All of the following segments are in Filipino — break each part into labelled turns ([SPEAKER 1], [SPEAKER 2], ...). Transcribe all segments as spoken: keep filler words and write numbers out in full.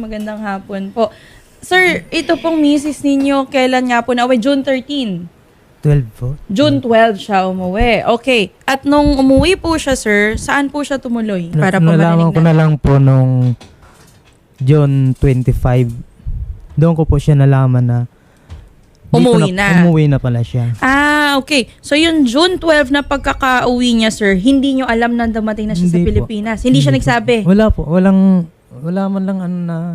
[SPEAKER 1] Magandang hapon po. Sir, ito pong misis ninyo, kailan nga po nauwi? June thirteenth.
[SPEAKER 2] twelve po.
[SPEAKER 1] June twelfth siya umuwi. Okay. At nung umuwi po siya, sir, saan po siya tumuloy? Para po
[SPEAKER 2] Nalaman ko na lang po nung June twenty-five. Doon ko po siya nalaman na dito
[SPEAKER 1] Umuwi na.
[SPEAKER 2] Umuwi na pala siya.
[SPEAKER 1] Ah, okay. So, yung June twelfth na pagkaka-uwi niya, sir, hindi nyo alam na dumating na siya
[SPEAKER 2] Hindi
[SPEAKER 1] sa
[SPEAKER 2] po.
[SPEAKER 1] Pilipinas? Hindi, siya
[SPEAKER 2] po.
[SPEAKER 1] nagsabi?
[SPEAKER 2] Wala po. Walang, wala man lang ano na,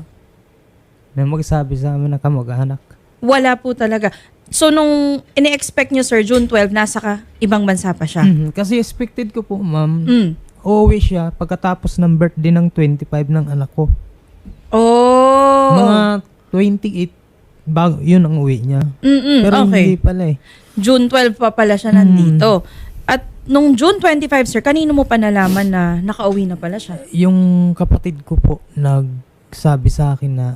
[SPEAKER 2] na magsabi sa amin na kamag-anak.
[SPEAKER 1] Wala po talaga. So, nung ini-expect nyo, sir, June twelfth, nasa ka, ibang bansa pa siya?
[SPEAKER 2] Mhm. Kasi expected ko po, ma'am,
[SPEAKER 1] Mm.
[SPEAKER 2] uuwi siya pagkatapos ng birthday ng twenty-five ng anak ko.
[SPEAKER 1] Oh.
[SPEAKER 2] Mga twenty-eight, bago, yun ang uwi niya.
[SPEAKER 1] Mm-mm,
[SPEAKER 2] Pero
[SPEAKER 1] okay.
[SPEAKER 2] hindi pala eh.
[SPEAKER 1] June twelfth pa pala siya nandito. At nung June twenty-five, sir, kanino mo pa nalaman na nakauwi na pala siya?
[SPEAKER 2] Yung kapatid ko po nagsabi sa akin na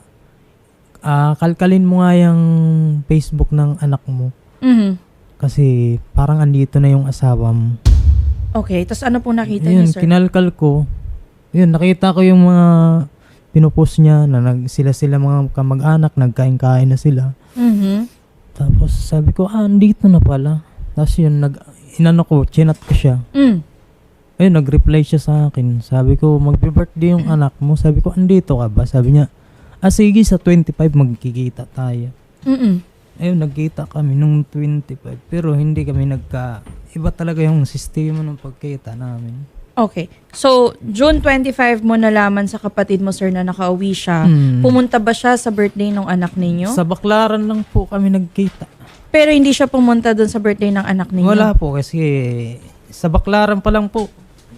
[SPEAKER 2] ah, kalkalin mo nga yung Facebook ng anak mo
[SPEAKER 1] Mhm.
[SPEAKER 2] kasi parang andito na yung asawa mo.
[SPEAKER 1] Okay, tapos ano po nakita
[SPEAKER 2] Yun,
[SPEAKER 1] niyo, sir?
[SPEAKER 2] kinalkal ko. Yun, nakita ko yung mga pinupost niya na nag, sila-sila mga kamag-anak, nagkain-kain na sila.
[SPEAKER 1] Mhm.
[SPEAKER 2] Tapos sabi ko, ah, andito na pala. Tapos yun, nag, inano ko, chinat ko siya.
[SPEAKER 1] Mm.
[SPEAKER 2] Ayun, nag-reply siya sa akin. Sabi ko, magbe-birthday yung anak mo. Sabi ko, andito ka ba? Sabi niya, ah, sige, sa twenty-five magkikita tayo.
[SPEAKER 1] Mm-mm.
[SPEAKER 2] Ayun, nagkita kami nung twenty-five. Pero hindi kami nagka... Iba talaga yung sistema ng pagkita namin.
[SPEAKER 1] Okay. So, June twenty-five mo nalaman sa kapatid mo, sir, na nakauwi siya.
[SPEAKER 2] Hmm.
[SPEAKER 1] Pumunta ba siya sa birthday ng anak ninyo?
[SPEAKER 2] Sa Baklaran lang po kami nagkita.
[SPEAKER 1] Pero hindi siya pumunta dun sa birthday ng anak ninyo?
[SPEAKER 2] Wala po kasi sa Baklaran pa lang po.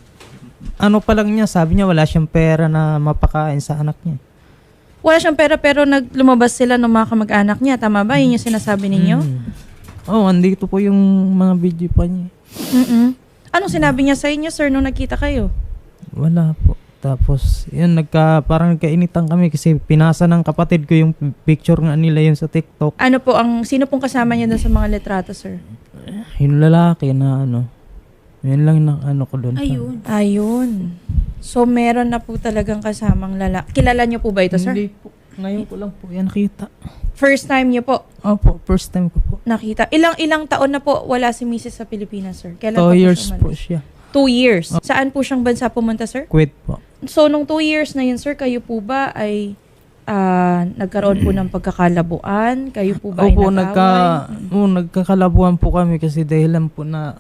[SPEAKER 2] Ano pa lang niya, sabi niya wala siyang pera na mapakain sa anak niya.
[SPEAKER 1] Wala siyang pera pero naglumabas sila ng mga kamag-anak niya. Tama ba? Yun yung sinasabi ninyo?
[SPEAKER 2] Hmm. Oh, andito po yung mga video pa niya.
[SPEAKER 1] Mm-mm. Anong sinabi niya sa inyo, sir, nung nagkita kayo?
[SPEAKER 2] Wala po. Tapos, yun, nagka, parang nagkainitan kami kasi pinasa ng kapatid ko yung picture nga nila yun sa TikTok.
[SPEAKER 1] Ano po, ang sino pong kasama niya dun sa mga litrato, sir?
[SPEAKER 2] Yung lalaki na ano, yun lang na ano ko doon.
[SPEAKER 1] Ayun. Ayun. So, meron na po talagang kasamang lalaki. Kilala niyo po ba ito, sir?
[SPEAKER 2] Hindi po. Ngayon ko lang po yan nakita.
[SPEAKER 1] First time niyo po
[SPEAKER 2] Opo, first time ko po.
[SPEAKER 1] nakita. Ilang ilang taon na po wala si missus sa Pilipinas, sir? Kailan pa
[SPEAKER 2] Two
[SPEAKER 1] po
[SPEAKER 2] years
[SPEAKER 1] siya
[SPEAKER 2] po
[SPEAKER 1] umalis?
[SPEAKER 2] siya.
[SPEAKER 1] Two years. Saan po siyang bansa pumunta, sir?
[SPEAKER 2] Kuwait po.
[SPEAKER 1] So, nung two years na yun, sir, kayo po ba ay ah, nagkaroon po ng pagkakalabuan? Kayo po ba ay
[SPEAKER 2] Opo,
[SPEAKER 1] nag-away?
[SPEAKER 2] nagka, oh, nagkakalabuhan po kami kasi dahilan po na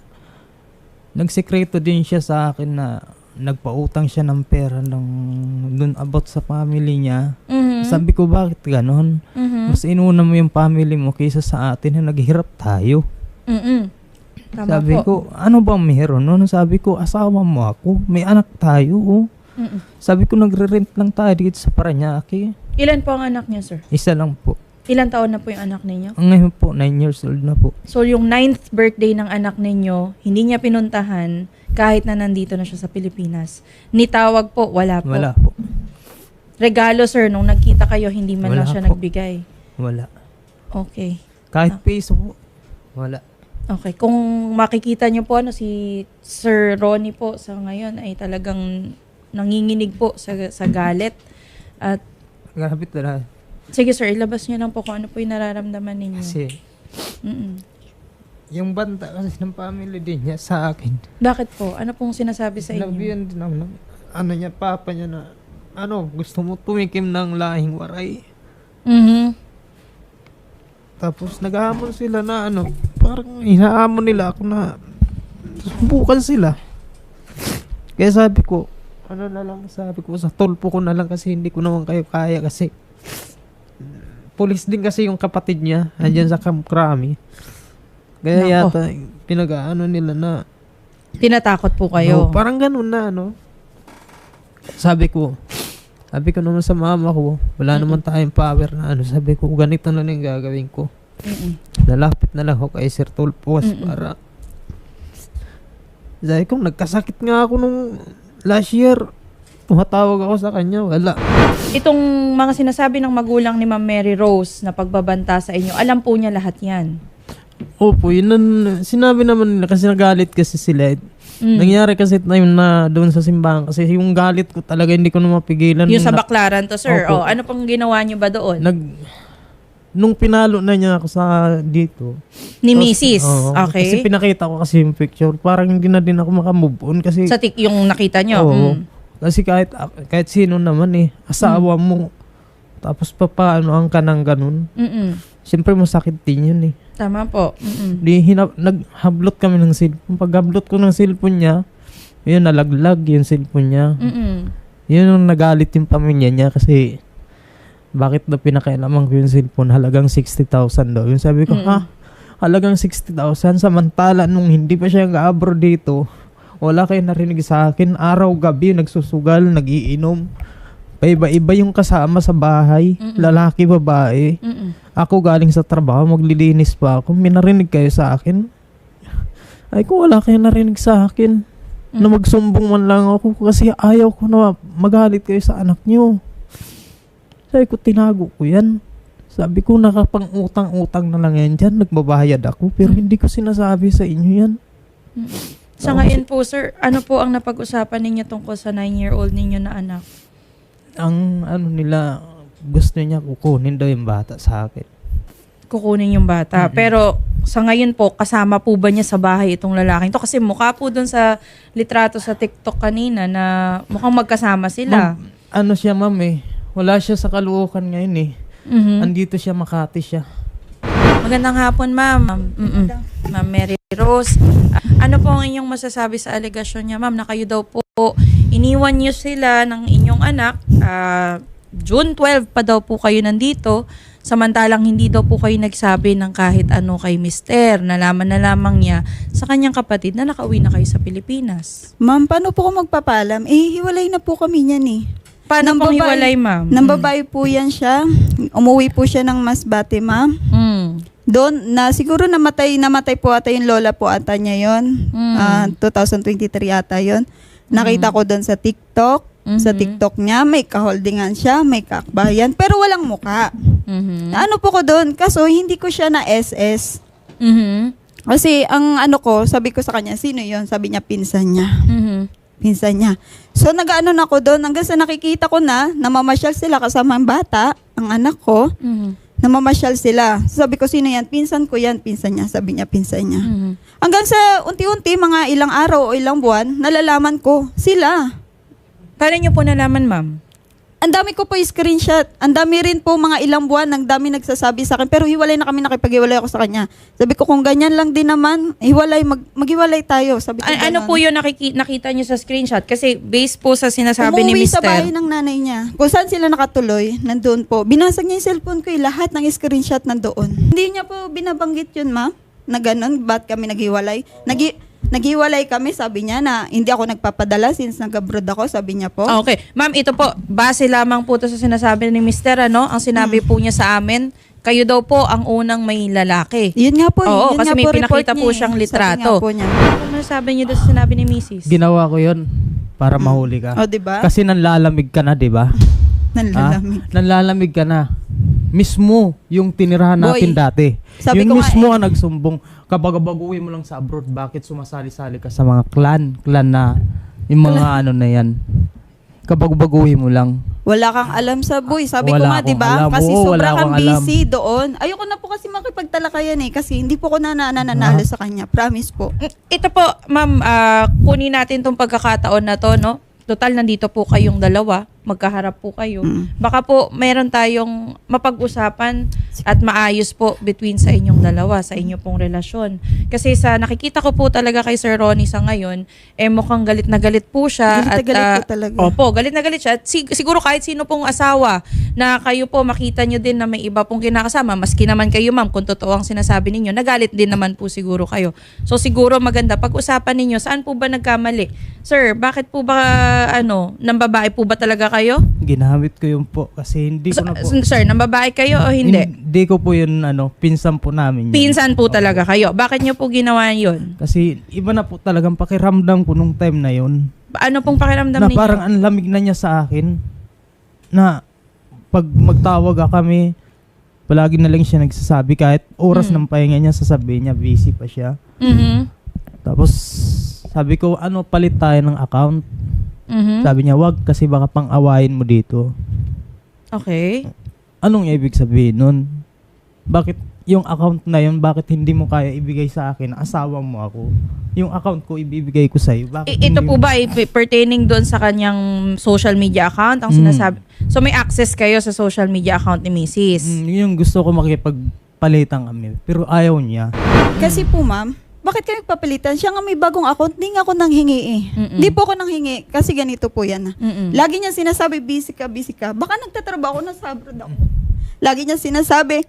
[SPEAKER 2] nagsekreto din siya sa akin na nagpautang siya ng pera ng dun about sa family niya.
[SPEAKER 1] Mhm.
[SPEAKER 2] Sabi ko, bakit ganon?
[SPEAKER 1] Mhm.
[SPEAKER 2] Mas inuna mo yung family mo kaysa sa atin na naghihirap tayo.
[SPEAKER 1] Mhm. Tama
[SPEAKER 2] Sabi
[SPEAKER 1] po.
[SPEAKER 2] ko, ano bang meron? Ano? Sabi ko, asawa mo ako. May anak tayo. Oh.
[SPEAKER 1] Mhm.
[SPEAKER 2] Sabi ko, nagre-rent lang tayo dito sa Paranaque.
[SPEAKER 1] Ilan po ang anak niya, sir?
[SPEAKER 2] Isa lang po.
[SPEAKER 1] Ilan taon na po yung anak ninyo?
[SPEAKER 2] Ang ngayon po, nine years old na po.
[SPEAKER 1] So, yung ninth birthday ng anak ninyo, hindi niya pinuntahan kahit na nandito na siya sa Pilipinas. Nitawag po, wala po.
[SPEAKER 2] Wala po.
[SPEAKER 1] Regalo, sir, nung nagkita kayo, hindi man
[SPEAKER 2] Wala
[SPEAKER 1] lang siya
[SPEAKER 2] po.
[SPEAKER 1] nagbigay.
[SPEAKER 2] Wala.
[SPEAKER 1] Okay.
[SPEAKER 2] Kahit
[SPEAKER 1] Ah.
[SPEAKER 2] peso po. Wala.
[SPEAKER 1] Okay. Kung makikita niyo po, ano, si Sir Ronnie po sa ngayon ay talagang nanginginig po sa, sa galit. At
[SPEAKER 2] Grabe talaga.
[SPEAKER 1] sige, sir, ilabas niyo lang po kung ano po yung nararamdaman ninyo.
[SPEAKER 2] Kasi,
[SPEAKER 1] Mm-mm.
[SPEAKER 2] yung banta kasi ng family din niya sa akin.
[SPEAKER 1] Bakit po? Ano pong sinasabi sa inyo?
[SPEAKER 2] Sinabihan din ako ng, ano niya, papa niya na, ano, gusto mo tumikim ng lahing waray.
[SPEAKER 1] Mhm.
[SPEAKER 2] Tapos naghahamon sila na ano, parang hinahamon nila ako na subukan sila. Kaya sabi ko, ano na lang, sabi ko sa tulpo ko na lang kasi hindi ko naman kayo kaya kasi pulis din kasi yung kapatid niya, andyan sa Camp Crame. Kaya
[SPEAKER 1] Nako.
[SPEAKER 2] yata pinag-ano nila na
[SPEAKER 1] Tinatakot po kayo.
[SPEAKER 2] oh, parang ganun na ano. Sabi ko, sabi ko naman sa mama ko, wala naman tayong power na ano. Sabi ko, ganito na lang yung gagawin ko.
[SPEAKER 1] Mm-mm.
[SPEAKER 2] Lalapit na lang ako kay Sir Tulpos
[SPEAKER 1] Mm-mm.
[SPEAKER 2] para sabi ko, nagkasakit nga ako nung last year. Tumatawag ako sa kanya, wala.
[SPEAKER 1] Itong mga sinasabi ng magulang ni Ma'am Mary Rose na pagbabanta sa inyo, alam po niya lahat yan.
[SPEAKER 2] Opo, yun nun, sinabi naman nila kasi nagalit kasi sila.
[SPEAKER 1] Mm.
[SPEAKER 2] Nangyari kasi time na doon sa simbahan kasi yung galit ko talaga hindi ko na mapigilan.
[SPEAKER 1] Yung sa
[SPEAKER 2] Na-
[SPEAKER 1] Baklaran to, sir.
[SPEAKER 2] Opo.
[SPEAKER 1] Oh, ano pong ginawa niyo ba doon?
[SPEAKER 2] Nag, nung pinalo na niya ako sa dito.
[SPEAKER 1] Ni
[SPEAKER 2] tapos-
[SPEAKER 1] Missus
[SPEAKER 2] oo,
[SPEAKER 1] Okay.
[SPEAKER 2] Kasi pinakita ko kasi yung picture. Parang hindi na din ako makamove on kasi.
[SPEAKER 1] Sa tik yung nakita niyo.
[SPEAKER 2] Oo.
[SPEAKER 1] Mm.
[SPEAKER 2] Kasi kahit, kahit sino naman eh. Asawa mo. Tapos pa paano ang kanang ganun.
[SPEAKER 1] Mm-mm.
[SPEAKER 2] Siyempre masakit din yun eh.
[SPEAKER 1] Tama po. Mm-mm.
[SPEAKER 2] Di hinap, naghablot kami ng cellphone. Pag hablot ko ng cellphone niya, yun nalaglag yung cellphone niya.
[SPEAKER 1] Mm-mm.
[SPEAKER 2] Yun yung nagalit yung pamilya niya kasi bakit na pinakailaman ko yung cellphone halagang sixty thousand daw. Yung sabi ko,
[SPEAKER 1] Mm.
[SPEAKER 2] ha? Halagang sixty thousand samantala nung hindi pa siya nag-abroad dito, wala kayo narinig sa akin. Araw-gabi nagsusugal, nagiinom. Paiba-iba yung kasama sa bahay.
[SPEAKER 1] Mm-mm.
[SPEAKER 2] Lalaki, babae.
[SPEAKER 1] Mm-mm.
[SPEAKER 2] Ako galing sa trabaho, maglilinis pa ako. May narinig kayo sa akin? Ay kung wala kayo narinig sa akin, na
[SPEAKER 1] Mm.
[SPEAKER 2] magsumbong man lang ako kasi ayaw ko na magalit kayo sa anak niyo. Sabi ko, tinago ko yan. Sabi ko, nakapang-utang-utang na lang yan dyan. Nagbabayad ako, pero hindi ko sinasabi sa inyo yan.
[SPEAKER 1] Sa ngayon po, sir, ano po ang napag-usapan ninyo tungkol sa nine-year-old ninyo na anak?
[SPEAKER 2] Ang ano nila, gusto niya kukunin daw yung bata sa akin.
[SPEAKER 1] Kukunin yung bata.
[SPEAKER 2] Mm-mm.
[SPEAKER 1] Pero sa ngayon po, kasama po ba niya sa bahay itong lalaking to? Kasi mukha po dun sa litrato sa TikTok kanina na mukhang magkasama sila.
[SPEAKER 2] Ma'am, ano siya ma'am eh, wala siya sa Caloocan ngayon eh.
[SPEAKER 1] Mhm.
[SPEAKER 2] Andito siya, Makati siya.
[SPEAKER 1] Magandang hapon, ma'am. Mm-mm. Ma'am Mary Rose. Ah, ano po ang inyong masasabi sa alegasyon niya, ma'am, na kayo daw po iniwan niyo sila ng inyong anak. ah, June twelve pa daw po kayo nandito. Samantalang hindi daw po kayo nagsabi ng kahit ano kay mister. Nalaman na lamang niya sa kanyang kapatid na nakauwi na kayo sa Pilipinas.
[SPEAKER 3] Ma'am, paano po ko magpapalam? Eh, hiwalay na po kami niyan eh.
[SPEAKER 1] Paano
[SPEAKER 3] Nang
[SPEAKER 1] pong
[SPEAKER 3] babae-
[SPEAKER 1] hiwalay, ma'am?
[SPEAKER 3] Nang babae po yan siya. Umuwi po siya ng Masbate, ma'am.
[SPEAKER 1] Mm.
[SPEAKER 3] Doon, na siguro namatay, namatay po ata yung lola po ata niya yun.
[SPEAKER 1] Mm.
[SPEAKER 3] Ah, twenty twenty-three ata yun. Nakita ko doon sa TikTok. Sa
[SPEAKER 1] Mhm.
[SPEAKER 3] TikTok niya, may kaholdingan siya, may kakbayan, pero walang muka.
[SPEAKER 1] Mhm.
[SPEAKER 3] Ano po ko doon? Kaso hindi ko siya na S S.
[SPEAKER 1] Mhm.
[SPEAKER 3] Kasi ang ano ko, sabi ko sa kanya, sino yon? Sabi niya, pinsan niya.
[SPEAKER 1] Mhm.
[SPEAKER 3] Pinsan niya. So nag-ano na ako doon, hanggang sa nakikita ko na, namamasyal sila kasama ang bata, ang anak ko,
[SPEAKER 1] Mhm.
[SPEAKER 3] namamasyal sila. Sabi ko, sino yan? Pinsan ko yan, pinsan niya. Sabi niya, pinsan niya.
[SPEAKER 1] Mhm.
[SPEAKER 3] Hanggang sa unti-unti, mga ilang araw o ilang buwan, nalalaman ko, sila.
[SPEAKER 1] Paano niyo po nalaman, ma'am?
[SPEAKER 3] Ang dami ko po yung screenshot. Ang dami rin po mga ilang buwan, ang dami nagsasabi sa akin. Pero hiwalay na kami, nakipag-hiwalay ako sa kanya. Sabi ko, kung ganyan lang din naman, hiwalay, mag, maghiwalay tayo. Sabi ko,
[SPEAKER 1] A- ano
[SPEAKER 3] ganon.
[SPEAKER 1] po yung nakiki- nakita niyo sa screenshot? Kasi based po sa sinasabi ni
[SPEAKER 3] Umuwi sa bahay
[SPEAKER 1] mister.
[SPEAKER 3] ng nanay niya. Kung saan sila nakatuloy, nandoon po. Binasag niya yung cellphone ko, eh, lahat ng screenshot nandoon. Hindi niya po binabanggit yun, ma'am, na ganun, ba't kami naghiwalay. Nagi naghiwalay kami, sabi niya, na hindi ako nagpapadala since nag-abroad ako, sabi niya po.
[SPEAKER 1] Ah, Okay. Ma'am, ito po, base lamang po to sa sinasabi ni mister, ano? Ang sinabi
[SPEAKER 3] Hmm.
[SPEAKER 1] po niya sa amin, kayo daw po ang unang may lalaki.
[SPEAKER 3] Yun nga po. eh.
[SPEAKER 1] Oo,
[SPEAKER 3] yun
[SPEAKER 1] kasi
[SPEAKER 3] nga
[SPEAKER 1] may
[SPEAKER 3] po, report
[SPEAKER 1] pinakita po
[SPEAKER 3] niya eh.
[SPEAKER 1] siyang
[SPEAKER 3] Sabi
[SPEAKER 1] litrato.
[SPEAKER 3] nga po niya.
[SPEAKER 1] Ano masasabi niyo doon sa sinabi ni missus?
[SPEAKER 2] Ginawa ko yun para mahuli ka.
[SPEAKER 3] O, diba?
[SPEAKER 2] Kasi nanlalamig ka na, di ba?
[SPEAKER 3] Nanlalamig.
[SPEAKER 2] Ah, nanlalamig ka na. Mismo yung tinirahan
[SPEAKER 3] Boy,
[SPEAKER 2] natin dati.
[SPEAKER 3] sabi
[SPEAKER 2] Yun
[SPEAKER 3] ko nga
[SPEAKER 2] mismo
[SPEAKER 3] eh.
[SPEAKER 2] ang nagsumbong. Kapag baguhin mo lang sa abroad, bakit sumasali-sali ka sa mga clan? Clan na, yung mga ano na yan. Kapag baguhin mo lang.
[SPEAKER 3] Wala kang alam sa boy. Sabi ko
[SPEAKER 2] Wala
[SPEAKER 3] nga,
[SPEAKER 2] akong
[SPEAKER 3] di ba?
[SPEAKER 2] alam.
[SPEAKER 3] Kasi
[SPEAKER 2] Oo, wala
[SPEAKER 3] sobra kang
[SPEAKER 2] akong alam.
[SPEAKER 3] busy doon. Ayoko na po kasi makipagtalakayan eh. Kasi hindi po ko na nananalo
[SPEAKER 2] Ah.
[SPEAKER 3] sa kanya. Promise po.
[SPEAKER 1] Ito po, ma'am, ah, kunin natin tong pagkakataon na to, no? Total, nandito po kayong dalawa. Magkaharap po kayo.
[SPEAKER 3] Mm.
[SPEAKER 1] Baka po meron tayong mapag-usapan at maayos po between sa inyong dalawa, sa inyo pong relasyon. Kasi sa nakikita ko po talaga kay Sir Ronnie sa ngayon, eh mukhang galit na galit po siya.
[SPEAKER 3] Galit na
[SPEAKER 1] at,
[SPEAKER 3] galit
[SPEAKER 1] ah,
[SPEAKER 3] po talaga.
[SPEAKER 1] Opo, galit na galit siya. At sig- siguro kahit sino pong asawa na kayo po makita nyo din na may iba pong kinakasama, maski naman kayo ma'am, kung totoo ang sinasabi ninyo, nagalit din naman po siguro kayo. So siguro maganda, pag-usapan ninyo, saan po ba nagkamali? Sir, bakit po ba, ano, nang babae po ba talaga kayo?
[SPEAKER 2] Ginamit ko yun po. Kasi hindi ko
[SPEAKER 1] So,
[SPEAKER 2] na po.
[SPEAKER 1] sir, nang babae kayo o hindi?
[SPEAKER 2] Hindi ko po yun, ano, pinsan po namin yun.
[SPEAKER 1] Pinsan po talaga kayo. Bakit nyo po ginawa yun?
[SPEAKER 2] Kasi iba na po talagang pakiramdam ko nung time na yun.
[SPEAKER 1] Ano pong pakiramdam
[SPEAKER 2] Na
[SPEAKER 1] ninyo?
[SPEAKER 2] parang ang lamig na niya sa akin. Na pag magtawag ka kami, Palagi na lang siya nagsasabi kahit oras
[SPEAKER 1] Mm.
[SPEAKER 2] ng pahinga niya, sasabihin niya busy pa siya.
[SPEAKER 1] Mhm.
[SPEAKER 2] Tapos sabi ko, ano, palit tayo ng account.
[SPEAKER 1] Mhm.
[SPEAKER 2] Sabi niya, wag kasi baka pang-awayin mo dito.
[SPEAKER 1] Okay.
[SPEAKER 2] Anong ibig sabihin nun? Bakit yung account na yun, bakit hindi mo kaya ibigay sa akin? Asawa mo ako. Yung account ko, ibibigay ko sa'yo. Bakit
[SPEAKER 1] I- ito
[SPEAKER 2] hindi
[SPEAKER 1] po
[SPEAKER 2] mo-
[SPEAKER 1] ba ay p- pertaining doon sa kanyang social media account ang
[SPEAKER 2] Mm.
[SPEAKER 1] sinasabi? So may access kayo sa social media account ni Missus
[SPEAKER 2] Mm, yung gusto ko makipagpalitan kami. Pero ayaw niya.
[SPEAKER 3] Kasi po ma'am, bakit kami papalitan? Siya nga may bagong account, hindi nga ako nanghingi eh.
[SPEAKER 1] Mm-mm.
[SPEAKER 3] Hindi po ako nanghingi kasi ganito po yan.
[SPEAKER 1] Mm-mm.
[SPEAKER 3] Lagi niya sinasabi, busy ka, busy ka. Baka nagtatrabaho na sa abroad ako. Lagi niya sinasabi,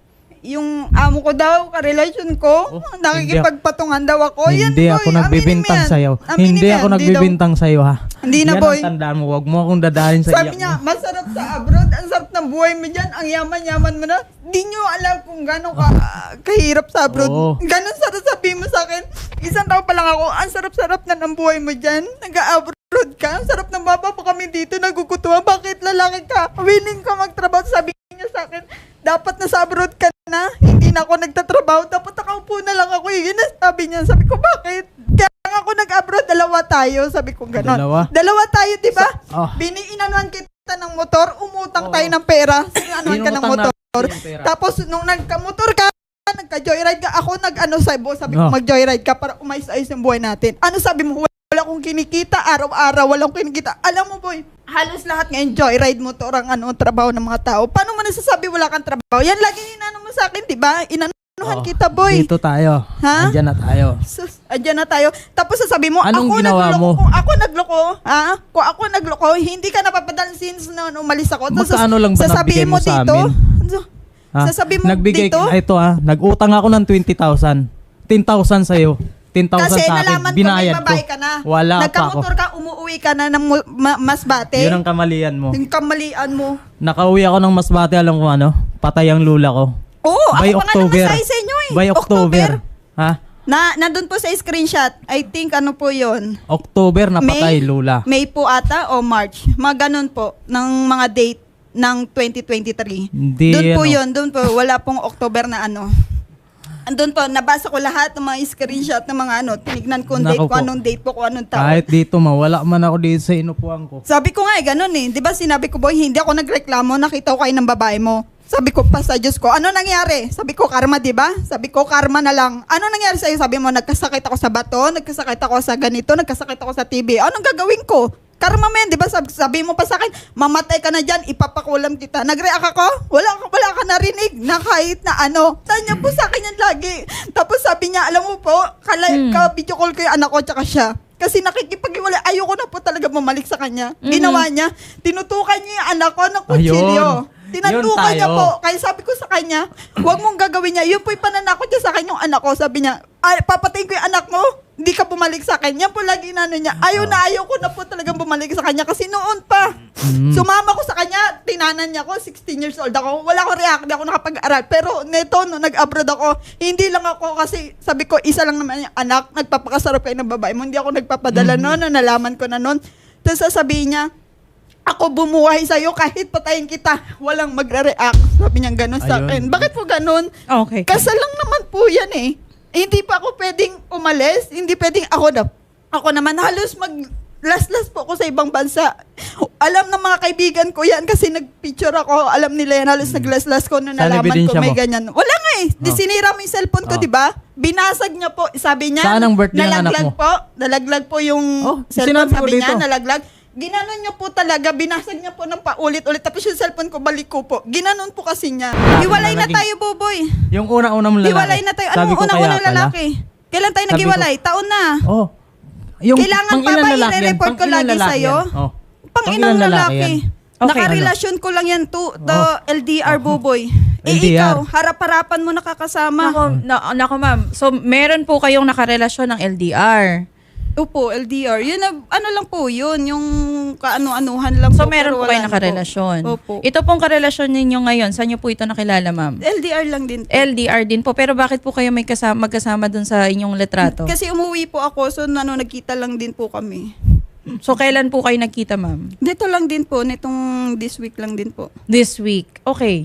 [SPEAKER 3] yung amo ko daw, karelasyon ko,
[SPEAKER 2] Oh,
[SPEAKER 3] nakikipagpatungan daw ako. Yan,
[SPEAKER 2] Hindi
[SPEAKER 3] boy,
[SPEAKER 2] ako
[SPEAKER 3] aminin
[SPEAKER 2] nagbibintang
[SPEAKER 3] mo yan.
[SPEAKER 2] sa'yo.
[SPEAKER 3] Aminin
[SPEAKER 2] Hindi
[SPEAKER 3] mo
[SPEAKER 2] ako
[SPEAKER 3] yan, di daw.
[SPEAKER 2] nagbibintang sa'yo, ha?
[SPEAKER 3] Hindi na,
[SPEAKER 2] Yan
[SPEAKER 3] boy.
[SPEAKER 2] ang tandaan mo. Huwag mo akong dadalhin sa
[SPEAKER 3] Sabi
[SPEAKER 2] iyak
[SPEAKER 3] niya,
[SPEAKER 2] mo.
[SPEAKER 3] masarap sa abroad, ang sarap ng buhay mo dyan, ang yaman-yaman mo na. Di nyo alam kung gano'ng ka, kahirap sa abroad.
[SPEAKER 2] Oo.
[SPEAKER 3] Ganon sarap sabihin mo sa akin. Isang taon pa lang ako, ang sarap-sarap na ng buhay mo dyan. Nag-abroad ka, ang sarap ng baba pa kami dito, nagugutuwa. Bakit lalaki ka? Willing ka magtrabaho. Sabi niya sa akin, dapat na sa abroad ka na, hindi na ako nagtatrabaho, dapat nakaupo na lang ako. Yun ang sabi niya. Sabi ko, bakit? Kaya nga ako nag-abroad, dalawa tayo. Sabi ko gano'n.
[SPEAKER 2] Dalawa?
[SPEAKER 3] Dalawa tayo, di ba?
[SPEAKER 2] Oh.
[SPEAKER 3] Biniinanuan kita ng motor, umutang
[SPEAKER 2] Oo.
[SPEAKER 3] tayo ng pera. Sinanuan ka ng
[SPEAKER 2] Inutang
[SPEAKER 3] motor.
[SPEAKER 2] natin yung pera.
[SPEAKER 3] Tapos nung nagka-motor ka, nagka-joyride ka, ako nag-ano sabi, sabi ko
[SPEAKER 2] Oh.
[SPEAKER 3] mag-joyride ka para umayos-ayos yung buhay natin. Ano sabi mo? Wala akong kinikita, araw-araw wala akong kinikita. Alam mo boy, halos lahat ngayon joyride motor ang ano, trabaho ng mga tao. Paano mo nasasabi wala kang trabaho? Yan lagi inano mo sa akin, di ba? Inanuhan
[SPEAKER 2] Oo.
[SPEAKER 3] kita boy.
[SPEAKER 2] Dito tayo.
[SPEAKER 3] Ha?
[SPEAKER 2] Andyan na tayo.
[SPEAKER 3] Sus, andyan na tayo. Tapos sasabi mo,
[SPEAKER 2] Anong
[SPEAKER 3] ako
[SPEAKER 2] ginawa
[SPEAKER 3] nagloko.
[SPEAKER 2] mo?
[SPEAKER 3] Kung ako nagloko, ha? Kung ako nagloko, hindi ka napapadala since na umalis ako. Tapos
[SPEAKER 2] Magkano lang ba
[SPEAKER 3] sasabihin
[SPEAKER 2] nagbigay mo sa
[SPEAKER 3] dito,
[SPEAKER 2] amin?
[SPEAKER 3] ano,
[SPEAKER 2] Ha?
[SPEAKER 3] Sasabi mo
[SPEAKER 2] Nagbigay
[SPEAKER 3] dito?
[SPEAKER 2] ka, ito ha, nag-utang ako ng twenty thousand. ten thousand sa'yo. ten thousand
[SPEAKER 3] Kasi
[SPEAKER 2] sa akin.
[SPEAKER 3] nalaman ko may
[SPEAKER 2] Binayad
[SPEAKER 3] babae
[SPEAKER 2] ko.
[SPEAKER 3] ka na.
[SPEAKER 2] Wala pa ako.
[SPEAKER 3] Nagkamotor ka, umuwi ka na ng mu- ma- Masbate.
[SPEAKER 2] Yun ang kamalian mo.
[SPEAKER 3] Yung kamalian mo.
[SPEAKER 2] Nakauwi ako ng Masbate, alam ko ano, patay ang lula ko.
[SPEAKER 3] Oo,
[SPEAKER 2] By
[SPEAKER 3] ako pa nga
[SPEAKER 2] October.
[SPEAKER 3] namasahe sa inyo eh.
[SPEAKER 2] By October. Ha?
[SPEAKER 3] Na, nandun po sa screenshot. I think ano po yun.
[SPEAKER 2] October napatay
[SPEAKER 3] May?
[SPEAKER 2] lula.
[SPEAKER 3] May po ata o March. Mga ganun po. Ng mga date ng twenty twenty-three.
[SPEAKER 2] Hindi,
[SPEAKER 3] Doon po
[SPEAKER 2] ano.
[SPEAKER 3] yun. Doon po. Wala pong October na ano. Andun po. Nabasa ko lahat ng mga screenshot ng mga ano. Tinignan ko ang date
[SPEAKER 2] Naku
[SPEAKER 3] ko.
[SPEAKER 2] po.
[SPEAKER 3] Anong date po ko. Anong taon.
[SPEAKER 2] Kahit dito, mawala man ako dito sa inupuan ko.
[SPEAKER 3] Sabi ko nga eh, ganun eh. Di ba sinabi ko, boy, hindi ako nagreklamo, nakita ko kayo ng babae mo. Sabi ko pa sa Diyos ko, ano nangyari? Sabi ko, karma, di ba? Sabi ko, karma na lang. Ano nangyari sa'yo? Sabi mo, nagkasakit ako sa bato, nagkasakit ako sa ganito, nagkasakit ako sa T B. Anong gagawin ko? Karma men, di ba? Sabi, sabi mo pa sa akin, mamatay ka na dyan, ipapakulam kita. Nag-react ako? Wala, wala ka narinig na kahit na ano. Sabi niya po sa akin yan lagi. Tapos sabi niya, alam mo po, kala,
[SPEAKER 1] Hmm.
[SPEAKER 3] ka-video call ko yung anak ko tsaka siya. Kasi nakikipag-iwalay, ayoko na po talaga bumalik sa kanya. Ginawa niya, tinutukan niya yung anak ko ng kutsilyo.
[SPEAKER 2] Ayun.
[SPEAKER 3] Tinantukan
[SPEAKER 2] Yun
[SPEAKER 3] niya
[SPEAKER 2] tayo.
[SPEAKER 3] po. Kaya sabi ko sa kanya, huwag mong gagawin niya. Yun po yung pananakot niya sa akin yung anak ko. Sabi niya, ay, papatayin ko yung anak mo. Hindi ka bumalik sa akin. Yan po lagi inano niya. Ayaw na ayaw ko na po talagang bumalik sa kanya. Kasi noon pa,
[SPEAKER 2] Mm.
[SPEAKER 3] sumama ko sa kanya, tinanan niya ako, sixteen years old ako. Wala akong react, hindi ako nakapag-aral. Pero neto, no, nag-abroad ako, hindi lang ako kasi sabi ko, isa lang naman yung anak, nagpapakasarap kayo ng babae mo. Hindi ako nagpapadala noon, no, nalaman ko na noon. Tapos sasabihin niya, ako bumuhay sa'yo kahit patayin kita, walang magre-react. Sabi niya gano'n sa
[SPEAKER 2] Ayun.
[SPEAKER 3] akin. Bakit po gano'n?
[SPEAKER 1] Okay.
[SPEAKER 3] Kasal lang naman po yan eh. Eh, Hindi pa ako pwedeng umalis. Hindi pwedeng ako na. Ako naman halos mag last-last po ako sa ibang bansa. Alam ng mga kaibigan ko yan kasi nagpicture ako. Alam nila yan. Halos naglas-las ko na
[SPEAKER 2] Saan
[SPEAKER 3] nalaman ko
[SPEAKER 2] ebidensya
[SPEAKER 3] may
[SPEAKER 2] mo?
[SPEAKER 3] ganyan. Wala nga eh. Di
[SPEAKER 2] Oh.
[SPEAKER 3] sinira mo yung cellphone ko,
[SPEAKER 2] Oh.
[SPEAKER 3] di ba? Binasag niya po. Sabi niya,
[SPEAKER 2] Saan ang birthday ng anak
[SPEAKER 3] nalaglag
[SPEAKER 2] mo?
[SPEAKER 3] po. Nalaglag po yung
[SPEAKER 2] Oh,
[SPEAKER 3] cellphone.
[SPEAKER 2] sinabi ko
[SPEAKER 3] Sabi niya,
[SPEAKER 2] dito.
[SPEAKER 3] nalaglag. Ginanon niya po talaga, binasag niya po ng paulit-ulit. Tapos yung cellphone ko, balik ko po. Ginanon po kasi niya. Hiwalay na
[SPEAKER 2] naging-
[SPEAKER 3] tayo, Boboy.
[SPEAKER 2] Yung una-una mong lalaki.
[SPEAKER 3] Hiwalay na tayo.
[SPEAKER 2] Sabi
[SPEAKER 3] Anong
[SPEAKER 2] ko kaya
[SPEAKER 3] unang-unang
[SPEAKER 2] pala.
[SPEAKER 3] lalaki? Kailan tayo
[SPEAKER 2] Sabi
[SPEAKER 3] naghiwalay? Taon na.
[SPEAKER 2] Oh. Yung
[SPEAKER 3] Kailangan pa
[SPEAKER 2] pang-ilan
[SPEAKER 3] ba
[SPEAKER 2] lalaki yan?
[SPEAKER 3] i-report ko
[SPEAKER 2] Pang-ilan
[SPEAKER 3] lagi
[SPEAKER 2] lalaki
[SPEAKER 3] sa'yo?
[SPEAKER 2] yan? Oh.
[SPEAKER 3] Pang
[SPEAKER 2] Pang-ilan
[SPEAKER 3] inang lalaki.
[SPEAKER 2] yan?
[SPEAKER 1] Okay.
[SPEAKER 3] Nakarelasyon ko lang yan to, to
[SPEAKER 2] Oh.
[SPEAKER 3] L D R, Boboy. Eh
[SPEAKER 2] L D R.
[SPEAKER 3] ikaw, harap-harapan mo nakakasama.
[SPEAKER 1] Nako, na, nako ma'am. So, meron po kayong nakarelasyon ng L D R.
[SPEAKER 3] Opo, L D R. Yun, na- ano lang po yun, yung kaano-anuhan lang
[SPEAKER 1] So,
[SPEAKER 3] po.
[SPEAKER 1] meron
[SPEAKER 3] pero
[SPEAKER 1] po
[SPEAKER 3] wala
[SPEAKER 1] kayo
[SPEAKER 3] na po.
[SPEAKER 1] nakarelasyon.
[SPEAKER 3] Opo.
[SPEAKER 1] Ito pong karelasyon ninyo ngayon, saan nyo po ito nakilala, ma'am?
[SPEAKER 3] L D R lang din po.
[SPEAKER 1] L D R din po. Pero bakit po kayo may kasama, magkasama dun sa inyong litrato?
[SPEAKER 3] Kasi umuwi po ako, so ano, nagkita lang din po kami.
[SPEAKER 1] So, kailan po kayo nagkita, ma'am?
[SPEAKER 3] Dito lang din po, nitong this week lang din po.
[SPEAKER 1] This week. Okay.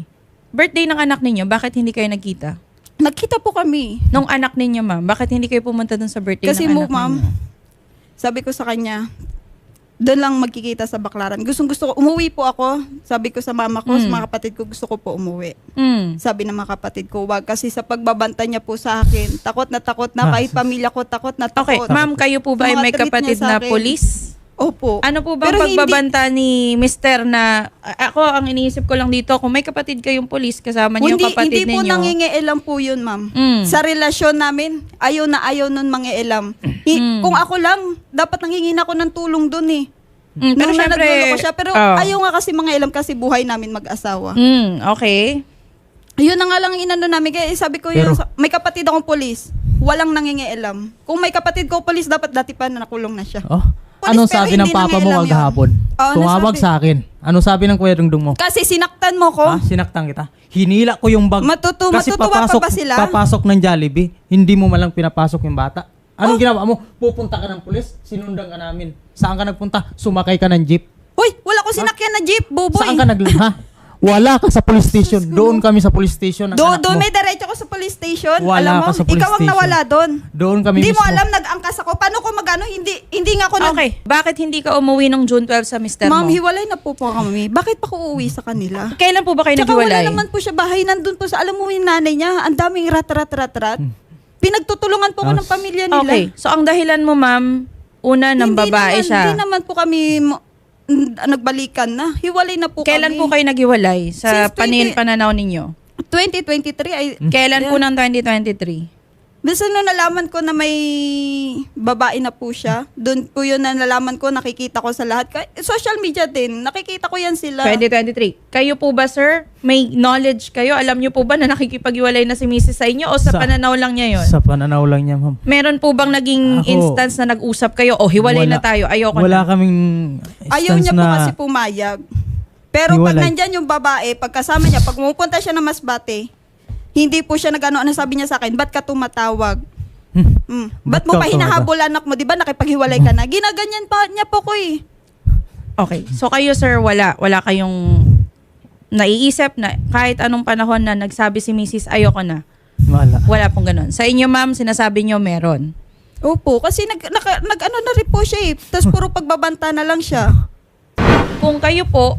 [SPEAKER 1] birthday ng anak ninyo, bakit hindi kayo nagkita?
[SPEAKER 3] Nagkita po kami.
[SPEAKER 1] Nung anak ninyo, ma'am, bakit hindi kayo pumunta dun sa birthday
[SPEAKER 3] Kasi
[SPEAKER 1] ng
[SPEAKER 3] mo,
[SPEAKER 1] anak
[SPEAKER 3] ma'am,
[SPEAKER 1] ninyo?
[SPEAKER 3] sabi ko sa kanya, doon lang magkikita sa Baclaran. Gustong gusto ko, umuwi po ako. Sabi ko sa mama ko,
[SPEAKER 1] Mm.
[SPEAKER 3] sa mga kapatid ko, gusto ko po umuwi.
[SPEAKER 1] Mm.
[SPEAKER 3] Sabi ng mga kapatid ko, wag. Kasi sa pagbabanta niya po sa akin, takot na takot na,
[SPEAKER 2] Ah.
[SPEAKER 3] kahit pamilya ko, takot na
[SPEAKER 1] Okay,
[SPEAKER 3] takot.
[SPEAKER 1] ma'am, kayo po ba ay
[SPEAKER 3] Mga
[SPEAKER 1] may
[SPEAKER 3] treat niya
[SPEAKER 1] kapatid
[SPEAKER 3] sa
[SPEAKER 1] na
[SPEAKER 3] akin.
[SPEAKER 1] polis?
[SPEAKER 3] Opo.
[SPEAKER 1] Ano po bang
[SPEAKER 3] Pero hindi-
[SPEAKER 1] pagbabanta ni mister na, a- ako ang iniisip ko lang dito, kung may kapatid kayong polis, kasama niyo
[SPEAKER 3] Hindi,
[SPEAKER 1] yung kapatid
[SPEAKER 3] hindi po
[SPEAKER 1] ninyo.
[SPEAKER 3] nangingialam po yun, ma'am.
[SPEAKER 1] Mm.
[SPEAKER 3] Sa relasyon namin, ayaw na ayaw nun mangialam. Hi-
[SPEAKER 1] Mm.
[SPEAKER 3] Kung ako lang, dapat nangingin ako ng tulong dun eh.
[SPEAKER 1] Mm, pero
[SPEAKER 3] Nung siya
[SPEAKER 1] syempre,
[SPEAKER 3] nagluloko siya. Pero
[SPEAKER 1] oh.
[SPEAKER 3] ayaw nga kasi mangialam kasi buhay namin mag-asawa.
[SPEAKER 1] Mm, okay.
[SPEAKER 3] Yun na nga lang ang inano namin. Kaya sabi ko yun,
[SPEAKER 2] Pero-
[SPEAKER 3] sa- may kapatid akong polis. Walang nangingialam. Kung may kapatid ko polis, dapat dati pa na nakulong na siya.
[SPEAKER 4] Oh,
[SPEAKER 3] Polis,
[SPEAKER 4] anong
[SPEAKER 3] pero
[SPEAKER 4] sabi ng
[SPEAKER 3] hindi
[SPEAKER 4] papa mo
[SPEAKER 3] nangialam yun.
[SPEAKER 4] maghapon?
[SPEAKER 3] Oh,
[SPEAKER 4] Tumawag
[SPEAKER 3] nasabi-
[SPEAKER 4] sa akin. Anong sabi ng Kuya Dungdung mo?
[SPEAKER 3] Kasi sinaktan mo ko.
[SPEAKER 4] Ha? Sinaktan kita. Hinila ko yung bag.
[SPEAKER 3] Matutu-
[SPEAKER 4] Kasi
[SPEAKER 3] matutuwa pa
[SPEAKER 4] papasok,
[SPEAKER 3] ba sila?
[SPEAKER 4] papasok ng Jollibee, hindi mo malang pinapasok yung bata. Anong
[SPEAKER 3] Oh.
[SPEAKER 4] ginawa mo? Pupunta ka ng pulis, sinundan ka namin. Saan ka nagpunta? Sumakay ka ng jeep.
[SPEAKER 3] Uy, wala ko sinakyan na jeep, buboy.
[SPEAKER 4] Saan ka nag... Ha? Wala ka sa police station. Doon kami sa police station. ng
[SPEAKER 3] Do,
[SPEAKER 4] anak
[SPEAKER 3] do
[SPEAKER 4] mo.
[SPEAKER 3] may diretso ko sa police station.
[SPEAKER 4] Wala
[SPEAKER 3] alam mo,
[SPEAKER 4] ka sa police
[SPEAKER 3] ikaw ang
[SPEAKER 4] station.
[SPEAKER 3] nawala doon.
[SPEAKER 4] Doon kami
[SPEAKER 3] Hindi mo
[SPEAKER 4] mismo.
[SPEAKER 3] alam, nag-angkas ako. Paano ko magano? Hindi, hindi nga ako nag...
[SPEAKER 1] Okay, bakit hindi ka umuwi nung June twelfth sa mister
[SPEAKER 3] Ma'am,
[SPEAKER 1] mo?
[SPEAKER 3] hiwalay na po po kami. Bakit pa ko uuwi sa kanila?
[SPEAKER 1] Kailan po ba kayo
[SPEAKER 3] Tsaka wala
[SPEAKER 1] naghiwalay?
[SPEAKER 3] naman po siya bahay. Nandun po sa, alam mo yung nanay niya, ang daming rat-rat-rat-rat. Pinagtutulungan po ko ng pamilya nila.
[SPEAKER 1] Okay, so ang dahilan mo, ma'am, una ng
[SPEAKER 3] Hindi
[SPEAKER 1] babae
[SPEAKER 3] naman,
[SPEAKER 1] siya.
[SPEAKER 3] Hindi naman po kami mo- n- nagbalikan na. Hiwalay na po
[SPEAKER 1] Kailan
[SPEAKER 3] kami.
[SPEAKER 1] po kayo naghiwalay sa
[SPEAKER 3] Since
[SPEAKER 1] panin
[SPEAKER 3] twenty
[SPEAKER 1] pananaw ninyo?
[SPEAKER 3] twenty twenty-three ay...
[SPEAKER 1] Kailan po ng twenty twenty-three?
[SPEAKER 3] Basta nung nalaman ko na may babae na po siya, doon po yun na nalaman ko, nakikita ko sa lahat. Ka- Social media din, nakikita ko yan sila.
[SPEAKER 1] twenty twenty-three. Kayo po ba, sir? May knowledge kayo? Alam niyo po ba na nakikipaghiwalay na si missus sa inyo o sa,
[SPEAKER 4] Sa-
[SPEAKER 1] pananaw lang niya yon?
[SPEAKER 4] Sa pananaw lang niya, ma'am.
[SPEAKER 1] Meron po bang naging
[SPEAKER 4] Ako-
[SPEAKER 1] instance na nag-usap kayo o hiwalay
[SPEAKER 4] Wala.
[SPEAKER 1] na tayo? Ayoko
[SPEAKER 4] Wala
[SPEAKER 1] na.
[SPEAKER 4] kaming
[SPEAKER 3] Ayaw
[SPEAKER 4] instance
[SPEAKER 3] niya po
[SPEAKER 4] na...
[SPEAKER 3] kasi pumayag. Pero pag
[SPEAKER 4] Hiwalay.
[SPEAKER 3] nandyan yung babae, pagkasama niya, pag pumupunta siya ng Masbate, hindi po siya nag-ano, ano sabi niya sa akin, ba't ka tumatawag?
[SPEAKER 4] Hmm.
[SPEAKER 3] Mm.
[SPEAKER 4] Ba't
[SPEAKER 3] Ba't mo
[SPEAKER 4] ka
[SPEAKER 3] pa
[SPEAKER 4] tumatawag?
[SPEAKER 3] hinahabol anak mo? Di ba nakipaghiwalay ka na? Ginaganyan pa niya po ko eh.
[SPEAKER 1] Okay. So kayo, sir, wala. Wala kayong naiisip na kahit anong panahon na nagsabi si missus ayoko na.
[SPEAKER 4] Wala.
[SPEAKER 1] Wala pong ganun. Sa inyo, ma'am, sinasabi niyo meron.
[SPEAKER 3] Opo, kasi nag, naka- nag-ano na rin po siya eh. Tapos puro pagbabanta na lang siya.
[SPEAKER 1] Kung kayo po,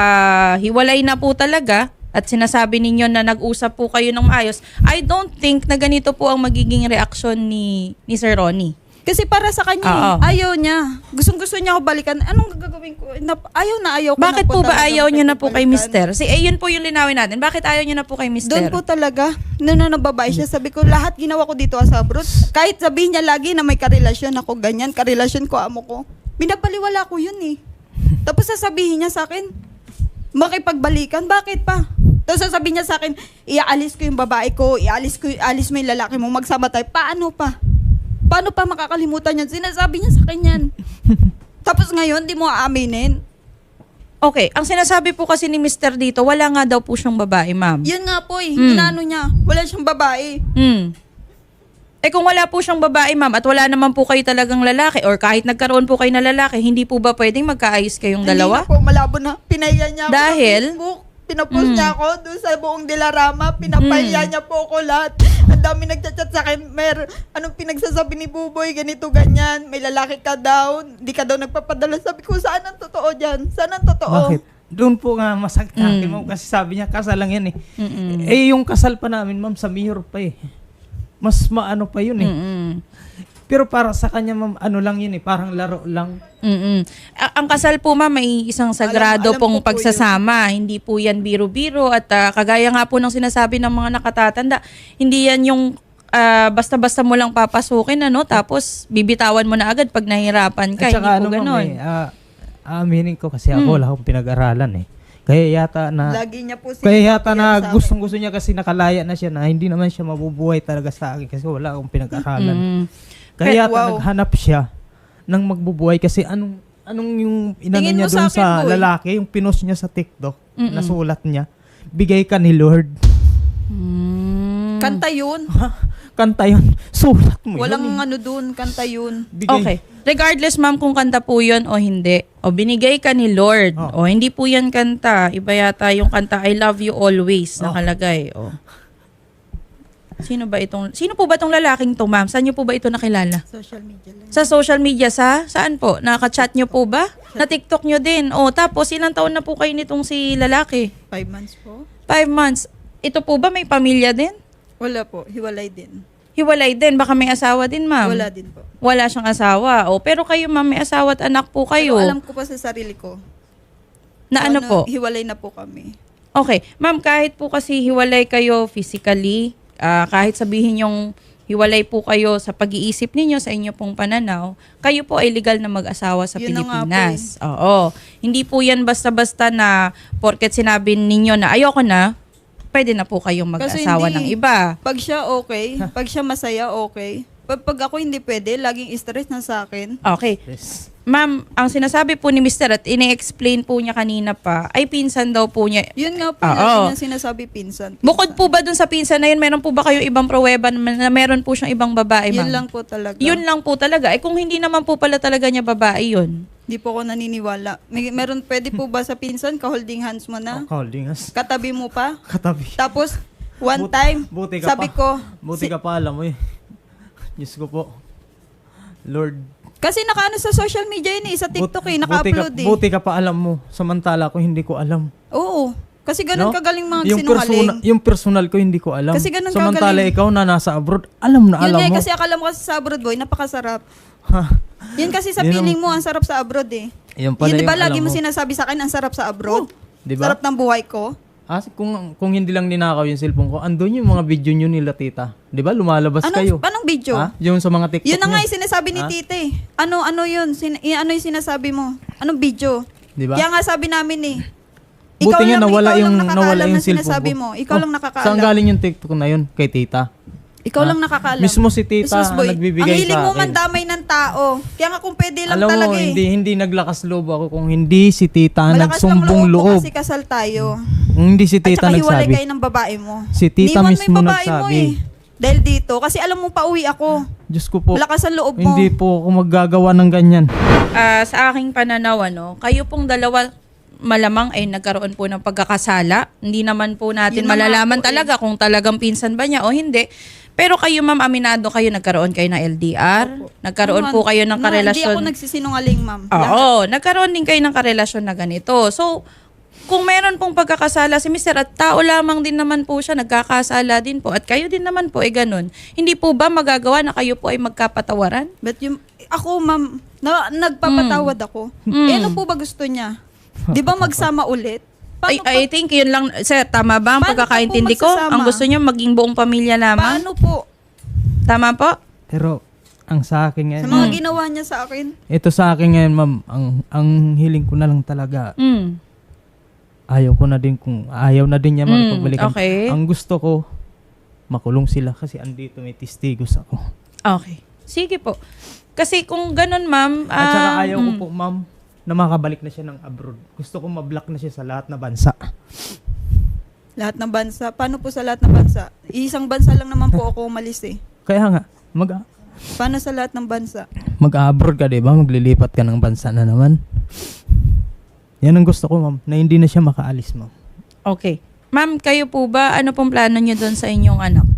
[SPEAKER 1] ah, hiwalay na po talaga at sinasabi ninyo na nag-usap po kayo ng maayos, I don't think na ganito po ang magiging reaksyon ni, ni Sir Ronnie.
[SPEAKER 3] Kasi para sa kanya,
[SPEAKER 1] Oo.
[SPEAKER 3] eh, ayaw niya. Gustong gusto niya ako balikan. Anong gagawin ko? Na, ayaw na ayaw ko
[SPEAKER 1] Bakit
[SPEAKER 3] na
[SPEAKER 1] po ba
[SPEAKER 3] talagang
[SPEAKER 1] ayaw niyo na po kay
[SPEAKER 3] balikan.
[SPEAKER 1] mister? Si, eh, yun po yung linawin natin. Bakit ayaw niyo na po kay mister?
[SPEAKER 3] Doon po talaga, nung nung nababae siya, sabi ko, lahat ginawa ko dito sa abroad. Kahit sabihin niya lagi na may karelasyon ako, ganyan, karelasyon ko, amo ko. Binabaliwala ko yun eh. Tapos sasabihin niya sa akin, makipagbalikan, bakit pa? Tapos sasabihin niya sa akin, iaalis ko yung babae ko, iaalis ko, ialis mo yung lalaki mo, magsama tayo. Paano pa? Paano pa makakalimutan yan? Sinasabi niya sa akin yan. Tapos ngayon, di mo aaminin.
[SPEAKER 1] Okay, ang sinasabi po kasi ni mister dito, wala nga daw po siyang babae, ma'am.
[SPEAKER 3] Yun nga po eh,
[SPEAKER 1] Mm.
[SPEAKER 3] inano niya. Wala siyang babae.
[SPEAKER 1] Hmm. Eh kung wala po siyang babae, ma'am, at wala naman po kayo talagang lalaki or kahit nagkaroon po kayo na lalaki, hindi po ba pwedeng magkaayos kayong dalawa?
[SPEAKER 3] Hindi na po, malabo na. Pinaya niya ako
[SPEAKER 1] Dahil?
[SPEAKER 3] sa Facebook. Pinapost
[SPEAKER 1] Mm.
[SPEAKER 3] niya ako doon sa buong Dilarama. Pinapaya
[SPEAKER 1] Mm.
[SPEAKER 3] niya po ako lahat. Ang dami nagchat-chat sa akin. Mer, anong pinagsasabi ni Buboy? Ganito, ganyan. May lalaki ka daw. Hindi ka daw nagpapadala. Sabi ko, saan ang totoo dyan? Saan ang totoo?
[SPEAKER 4] Bakit? Doon po nga masakit sa akin,
[SPEAKER 1] Mm.
[SPEAKER 4] ma'am. Kasi sabi niya, kasal lang yan eh.
[SPEAKER 1] Mm-mm.
[SPEAKER 4] Eh, yung kasal pa namin, ma'am, sa mayor pa eh. Mas maano pa yun eh.
[SPEAKER 1] Mm-mm.
[SPEAKER 4] Pero para sa kanya, ma'am, ano lang yun eh. Parang laro lang.
[SPEAKER 1] Mm-mm. A- ang kasal po, ma'am, may isang sagrado
[SPEAKER 3] alam
[SPEAKER 1] pong
[SPEAKER 3] ko po
[SPEAKER 1] pagsasama. Hindi po yan biro-biro at ah, kagaya nga po ng sinasabi ng mga nakatatanda, hindi yan yung ah, basta-basta mo lang papasukin, ano, tapos bibitawan mo na agad pag nahirapan ka.
[SPEAKER 4] At saka
[SPEAKER 1] Hindi po
[SPEAKER 4] ano, ma'am,
[SPEAKER 1] ganon.
[SPEAKER 4] eh, ah, aaminin ko kasi ako,
[SPEAKER 1] Mm.
[SPEAKER 4] wala akong pinag-aralan eh. Kaya yata na...
[SPEAKER 3] Lagi niya po
[SPEAKER 4] Kaya yata
[SPEAKER 3] sinasabi yan
[SPEAKER 4] na
[SPEAKER 3] sa akin.
[SPEAKER 4] gustong gusto niya kasi nakalaya na siya na hindi naman siya mabubuhay talaga sa akin kasi wala akong pinag-aralan.
[SPEAKER 1] Mm.
[SPEAKER 4] Kaya yata
[SPEAKER 3] Wow.
[SPEAKER 4] naghanap siya ng magbubuhay kasi anong anong yung inano
[SPEAKER 3] Tingin
[SPEAKER 4] niya
[SPEAKER 3] mo sa
[SPEAKER 4] doon
[SPEAKER 3] akin,
[SPEAKER 4] sa,
[SPEAKER 3] boy?
[SPEAKER 4] lalaki, yung pinost niya sa TikTok,
[SPEAKER 1] Mm-mm.
[SPEAKER 4] nasulat niya, bigay ka ni Lord.
[SPEAKER 1] Mm.
[SPEAKER 3] Kanta yun.
[SPEAKER 4] Kanta yun. Sulat mo
[SPEAKER 3] Walang
[SPEAKER 4] yun. eh.
[SPEAKER 3] ano dun, kanta yun.
[SPEAKER 4] Bigay.
[SPEAKER 1] Okay. regardless ma'am kung kanta po yun o hindi, o binigay ka ni Lord,
[SPEAKER 4] Oh.
[SPEAKER 1] o hindi po yan kanta, iba yata yung kanta I love you always
[SPEAKER 4] Oh.
[SPEAKER 1] nakalagay. O. Sino ba itong, sino po ba itong lalaking to ma'am? Saan niyo po ba ito nakilala?
[SPEAKER 3] Social media lang.
[SPEAKER 1] Sa social media sa? Saan po? Naka-chat niyo po ba? Na TikTok niyo din. O tapos ilang taon na po kayo nitong si lalaki?
[SPEAKER 3] Five months po.
[SPEAKER 1] Five months. Ito po ba may pamilya din?
[SPEAKER 3] Wala po. Hiwalay din.
[SPEAKER 1] Hiwalay din. Baka may asawa din ma'am.
[SPEAKER 3] Wala din po.
[SPEAKER 1] Wala siyang asawa. O pero kayo ma'am may asawa at anak po kayo.
[SPEAKER 3] Pero alam ko pa sa sarili ko.
[SPEAKER 1] Na ano po?
[SPEAKER 3] Hiwalay na po kami.
[SPEAKER 1] Okay. Ma'am, kahit po kasi hiwalay kayo physically, ah, kahit sabihin yung hiwalay po kayo sa pag-iisip ninyo, sa inyo pong pananaw, kayo po ay legal na mag-asawa sa
[SPEAKER 3] Yun na nga po
[SPEAKER 1] Pilipinas. Oo. Hindi po yan basta-basta na porket sinabi ninyo na ayoko na, pwede na po kayong
[SPEAKER 3] Kasi
[SPEAKER 1] mag-asawa
[SPEAKER 3] hindi.
[SPEAKER 1] ng iba.
[SPEAKER 3] Pag siya okay, pag siya masaya okay. Pag, pag ako hindi pwede, laging stress na sa akin.
[SPEAKER 1] Okay.
[SPEAKER 4] Yes.
[SPEAKER 1] Ma'am, ang sinasabi po ni Mister at ini-explain po niya kanina pa, ay pinsan daw po niya.
[SPEAKER 3] Yun nga po,
[SPEAKER 1] Oo.
[SPEAKER 3] lagi niya sinasabi pinsan, pinsan.
[SPEAKER 1] Bukod po ba dun sa pinsan na yun, meron po ba kayo ibang pruweba na na meron po siyang ibang babae, ma'am?
[SPEAKER 3] Yun lang po talaga.
[SPEAKER 1] Yun lang po talaga. Eh kung hindi naman po pala talaga niya babae yun.
[SPEAKER 3] Di po ako naniniwala. May, meron, pwede po ba sa pinsan, ka-holding hands mo na?
[SPEAKER 4] Holding us.
[SPEAKER 3] Katabi mo pa?
[SPEAKER 4] Katabi.
[SPEAKER 3] Tapos, one
[SPEAKER 4] But-
[SPEAKER 3] time,
[SPEAKER 4] buti ka
[SPEAKER 3] sabi
[SPEAKER 4] pa.
[SPEAKER 3] ko,
[SPEAKER 4] Buti
[SPEAKER 3] si-
[SPEAKER 4] ka pa alam mo eh. Diyos ko po. Lord.
[SPEAKER 3] kasi nakaano sa social media yun eh, sa TikTok
[SPEAKER 4] but-
[SPEAKER 3] eh, naka-upload
[SPEAKER 4] buti ka,
[SPEAKER 3] eh.
[SPEAKER 4] Buti ka pa alam mo. Samantala ko hindi ko alam.
[SPEAKER 3] Oo. Kasi ganun
[SPEAKER 4] No?
[SPEAKER 3] kagaling mga
[SPEAKER 4] Yung,
[SPEAKER 3] sinungaling.
[SPEAKER 4] persona, yung personal ko hindi ko alam.
[SPEAKER 3] Kasi ganun
[SPEAKER 4] Samantala
[SPEAKER 3] kagaling.
[SPEAKER 4] ikaw na nasa abroad, alam na
[SPEAKER 3] Yun
[SPEAKER 4] alam
[SPEAKER 3] nga eh,
[SPEAKER 4] mo.
[SPEAKER 3] kasi akala mo kasi sa abroad boy, napakasarap.
[SPEAKER 4] Ha,
[SPEAKER 3] Yun kasi sa
[SPEAKER 4] Yun ang-
[SPEAKER 3] feeling mo, ang sarap sa abroad eh.
[SPEAKER 4] yun pala
[SPEAKER 3] Yun di ba
[SPEAKER 4] yung
[SPEAKER 3] lagi
[SPEAKER 4] alam
[SPEAKER 3] mo sinasabi sa akin, ang sarap sa abroad?
[SPEAKER 4] Di ba?
[SPEAKER 3] Sarap ng buhay ko?
[SPEAKER 4] Ah, kung, kung hindi lang ninakaw yung cellphone ko, andun yung mga video nyo nila tita. Di ba? Lumalabas
[SPEAKER 3] Anong,
[SPEAKER 4] kayo.
[SPEAKER 3] anong video?
[SPEAKER 4] Ha? Yung sa mga TikTok
[SPEAKER 3] Yun na nga
[SPEAKER 4] nyo.
[SPEAKER 3] yung sinasabi ni
[SPEAKER 4] Ha?
[SPEAKER 3] tita eh. Ano, ano yun? Sin- i- ano yung sinasabi mo? Anong video?
[SPEAKER 4] Di ba?
[SPEAKER 3] Kaya nga sabi namin eh.
[SPEAKER 4] Buti nga
[SPEAKER 3] lang-
[SPEAKER 4] nawala
[SPEAKER 3] ikaw
[SPEAKER 4] yung,
[SPEAKER 3] lang nakakaalam
[SPEAKER 4] nawala yung
[SPEAKER 3] ng
[SPEAKER 4] cellphone
[SPEAKER 3] sinasabi
[SPEAKER 4] ko.
[SPEAKER 3] mo. Ikaw
[SPEAKER 4] Oh,
[SPEAKER 3] lang nakakaalam.
[SPEAKER 4] Saan galing yung TikTok na yun? Kay tita.
[SPEAKER 3] Ikaw
[SPEAKER 4] Ha?
[SPEAKER 3] lang nakakaalam.
[SPEAKER 4] Mismo si tita
[SPEAKER 3] Jesus boy,
[SPEAKER 4] ang nagbibigay
[SPEAKER 3] ang hiling
[SPEAKER 4] sa
[SPEAKER 3] mo
[SPEAKER 4] akin.
[SPEAKER 3] mandamay ng tao. Kaya nga kung pwede lang
[SPEAKER 4] Alam
[SPEAKER 3] talaga
[SPEAKER 4] mo,
[SPEAKER 3] eh.
[SPEAKER 4] hindi, hindi naglakas loob ako kung hindi si tita ang
[SPEAKER 3] Malakas lang
[SPEAKER 4] nagsumbong
[SPEAKER 3] loob mo
[SPEAKER 4] loob.
[SPEAKER 3] kasi kasal tayo.
[SPEAKER 4] Kung hindi si
[SPEAKER 3] At
[SPEAKER 4] tita
[SPEAKER 3] saka hiwalay
[SPEAKER 4] nagsabi.
[SPEAKER 3] kayo ng babae mo.
[SPEAKER 4] Si tita
[SPEAKER 3] Iniwan mo
[SPEAKER 4] mismo
[SPEAKER 3] yung babae mo
[SPEAKER 4] nagsabi.
[SPEAKER 3] eh. Dahil dito. Kasi alam mo pauwi ako.
[SPEAKER 4] Diyos ko po,
[SPEAKER 3] Malakas ang loob mo.
[SPEAKER 4] hindi po ako maggagawa ng ganyan.
[SPEAKER 1] Ah, sa aking pananaw, ano, kayo pong dalawa malamang ay nagkaroon po ng pagkakasala. Hindi naman po natin
[SPEAKER 3] Yun na nga
[SPEAKER 1] malalaman
[SPEAKER 3] po eh.
[SPEAKER 1] talaga kung talagang pinsan ba niya o hindi. Pero kayo ma'am, aminado kayo, nagkaroon kayo ng L D R? Nagkaroon
[SPEAKER 3] Naman,
[SPEAKER 1] po kayo ng
[SPEAKER 3] na-
[SPEAKER 1] karelasyon?
[SPEAKER 3] Hindi ako nagsisinungaling, ma'am. Lahat.
[SPEAKER 1] Oo, nagkaroon din kayo ng karelasyon na ganito. So, kung meron pong pagkakasala si Mister at tao lamang din naman po siya, nagkakasala din po at kayo din naman po ay ganun, hindi po ba magagawa na kayo po ay magkapatawaran?
[SPEAKER 3] But yung, ako, ma'am, na, nagpapatawad ako.
[SPEAKER 1] Mm.
[SPEAKER 3] Eh, ano po ba gusto niya? Di ba magsama ulit?
[SPEAKER 1] I,
[SPEAKER 3] Paano,
[SPEAKER 1] I think yun lang, sir, tama ba ang
[SPEAKER 3] Paano
[SPEAKER 1] pagkakaintindi
[SPEAKER 3] pa po
[SPEAKER 1] ko?
[SPEAKER 3] magsasama?
[SPEAKER 1] Ang gusto niyo maging buong pamilya
[SPEAKER 3] pa,
[SPEAKER 1] lamang?
[SPEAKER 3] paano po?
[SPEAKER 1] Tama po?
[SPEAKER 4] Pero, ang sa akin ngayon,
[SPEAKER 3] Sa mga ginawa niya sa akin?
[SPEAKER 4] ito sa akin ngayon, ma'am, ang, ang hiling ko na lang talaga,
[SPEAKER 1] Mm.
[SPEAKER 4] ayaw ko na din kung, ayaw na din niya
[SPEAKER 1] Mm,
[SPEAKER 4] mapagbalikan.
[SPEAKER 1] okay.
[SPEAKER 4] Ang gusto ko, makulong sila kasi andito may testigos ako.
[SPEAKER 1] Okay. Sige po. Kasi kung ganun, ma'am,
[SPEAKER 4] At saka
[SPEAKER 1] ah,
[SPEAKER 4] ayaw ko
[SPEAKER 1] mm.
[SPEAKER 4] po, ma'am, na makabalik na siya ng abroad. Gusto ko ma-block na siya sa lahat na bansa.
[SPEAKER 3] Lahat ng bansa. Paano po sa lahat ng bansa? Isang bansa lang naman po ako umalis eh.
[SPEAKER 4] Kaya nga, mag,
[SPEAKER 3] Paano sa lahat ng bansa?
[SPEAKER 4] mag-abroad ka, di ba? Maglilipat ka ng bansa na naman. Yan ang gusto ko, ma'am, na hindi na siya makaalis, ma'am.
[SPEAKER 1] Okay. Ma'am, kayo po ba, ano pong plano niyo doon sa inyong anak?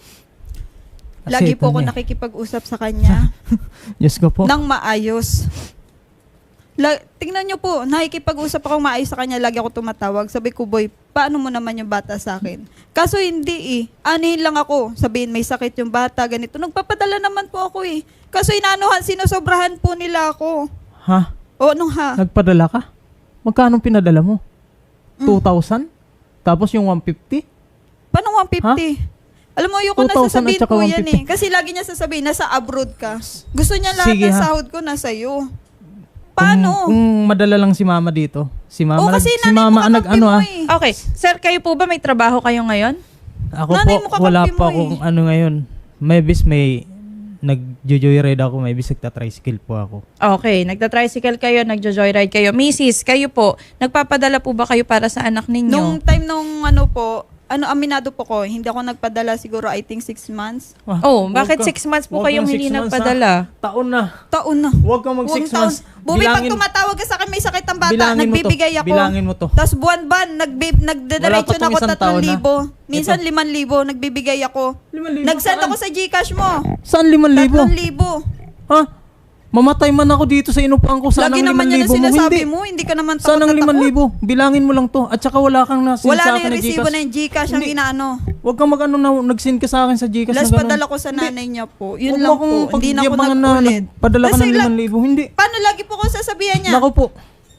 [SPEAKER 4] Kasi
[SPEAKER 3] Lagi po
[SPEAKER 4] ito
[SPEAKER 3] ako
[SPEAKER 4] niya.
[SPEAKER 3] nakikipag-usap sa kanya
[SPEAKER 4] Diyos ko po.
[SPEAKER 3] nang maayos. La- tingnan niyo po, nakikipag-usap ako maayos sa kanya, lagi ako tumatawag. Sabi ko, boy, paano mo naman yung bata sa akin? Kaso hindi eh. Anihin lang ako. Sabihin, may sakit yung bata, ganito. Nagpapadala naman po ako eh. Kaso inanuhan, sinusobrahan po nila ako.
[SPEAKER 4] Ha?
[SPEAKER 3] O, anong ha?
[SPEAKER 4] Nagpadala ka? Magkano pinadala mo?
[SPEAKER 3] Mm.
[SPEAKER 4] two thousand? Tapos yung one fifty?
[SPEAKER 3] Paano one fifty? Alam mo, ayoko na
[SPEAKER 4] two thousand
[SPEAKER 3] sasabihin
[SPEAKER 4] at saka
[SPEAKER 3] ko
[SPEAKER 4] one
[SPEAKER 3] yan
[SPEAKER 4] fifty.
[SPEAKER 3] eh. Kasi lagi niya sasabihin, nasa abroad ka. Gusto niya lahat
[SPEAKER 4] Sige,
[SPEAKER 3] ng
[SPEAKER 4] ha?
[SPEAKER 3] sahod ko nasa iyo. Paano?
[SPEAKER 4] Kung, kung madala lang si mama dito. Si mama,
[SPEAKER 3] o, kasi
[SPEAKER 4] nag, si
[SPEAKER 3] nanay mo
[SPEAKER 4] mama ang nag
[SPEAKER 3] kakampi
[SPEAKER 4] ano
[SPEAKER 3] mo
[SPEAKER 4] ah.
[SPEAKER 3] eh.
[SPEAKER 1] Okay. Sir, kayo po ba may trabaho kayo ngayon?
[SPEAKER 4] Ako
[SPEAKER 3] Nanay
[SPEAKER 4] po,
[SPEAKER 3] mo kakampi
[SPEAKER 4] wala
[SPEAKER 3] mo
[SPEAKER 4] pa
[SPEAKER 3] eh.
[SPEAKER 4] akong ano ngayon. May bis may nag-joyride ako, may bis nagta-tricycle po ako.
[SPEAKER 1] Okay. Nagta-tricycle kayo, nagjo-joyride kayo. Missus, kayo po, nagpapadala po ba kayo para sa anak ninyo?
[SPEAKER 3] Nung time nung ano po, ano, aminado po ko, hindi ako nagpadala siguro I think six months.
[SPEAKER 4] Ah,
[SPEAKER 1] Oh,
[SPEAKER 4] huwag
[SPEAKER 1] bakit
[SPEAKER 4] ka-
[SPEAKER 1] six months po
[SPEAKER 4] huwag
[SPEAKER 1] kayong
[SPEAKER 4] kang
[SPEAKER 1] hindi
[SPEAKER 4] six months,
[SPEAKER 1] nagpadala?
[SPEAKER 4] ha? Taon na.
[SPEAKER 3] Taon na.
[SPEAKER 4] Huwag kang mag
[SPEAKER 3] Huwag
[SPEAKER 4] six
[SPEAKER 3] taon.
[SPEAKER 4] months.
[SPEAKER 3] Bumi, pag
[SPEAKER 4] Bilangin-
[SPEAKER 3] tumatawag ka sa akin, may sakit ang bata,
[SPEAKER 4] Bilangin mo to.
[SPEAKER 3] nagbibigay ako.
[SPEAKER 4] Bilangin mo to.
[SPEAKER 3] Tapos buwan-buwan, nagbi- nagdediretso
[SPEAKER 4] Wala pa
[SPEAKER 3] na ako
[SPEAKER 4] tong isang
[SPEAKER 3] tatlong
[SPEAKER 4] taon, ha?
[SPEAKER 3] libo. Minsan
[SPEAKER 4] Ito.
[SPEAKER 3] liman libo, nagbibigay ako.
[SPEAKER 4] Liman libo,
[SPEAKER 3] Nagsend
[SPEAKER 4] saan?
[SPEAKER 3] ako sa Gcash mo.
[SPEAKER 4] Saan liman libo?
[SPEAKER 3] Tatlong libo.
[SPEAKER 4] Ha? Mamatay man ako dito sa inupahan ko. Saan
[SPEAKER 3] Lagi
[SPEAKER 4] ang
[SPEAKER 3] naman
[SPEAKER 4] liman
[SPEAKER 3] yan ang
[SPEAKER 4] libo mo?
[SPEAKER 3] sinasabi
[SPEAKER 4] Hindi.
[SPEAKER 3] mo, hindi ka naman
[SPEAKER 4] Saan
[SPEAKER 3] takot
[SPEAKER 4] ang
[SPEAKER 3] na
[SPEAKER 4] liman
[SPEAKER 3] takot.
[SPEAKER 4] libo? Bilangin mo lang to. At saka wala kang nasin
[SPEAKER 3] Wala
[SPEAKER 4] sa
[SPEAKER 3] na
[SPEAKER 4] akin
[SPEAKER 3] yung
[SPEAKER 4] na
[SPEAKER 3] resibo
[SPEAKER 4] Gcash.
[SPEAKER 3] na yung Gcash ang
[SPEAKER 4] Hindi.
[SPEAKER 3] inaano.
[SPEAKER 4] Huwag kang mag-ano na nag-send ka sa akin sa Gcash
[SPEAKER 3] Last
[SPEAKER 4] na ganun.
[SPEAKER 3] padala ko sa nanay niya po. Yun
[SPEAKER 4] Huwag
[SPEAKER 3] lang
[SPEAKER 4] mo akong
[SPEAKER 3] po. Hindi na ako
[SPEAKER 4] pagyabangan na
[SPEAKER 3] nag-ulit.
[SPEAKER 4] Padala ka
[SPEAKER 3] Kasi
[SPEAKER 4] ng
[SPEAKER 3] la-
[SPEAKER 4] liman libo. Hindi.
[SPEAKER 3] Paano lagi po ko sasabihan niya?
[SPEAKER 4] Nako po.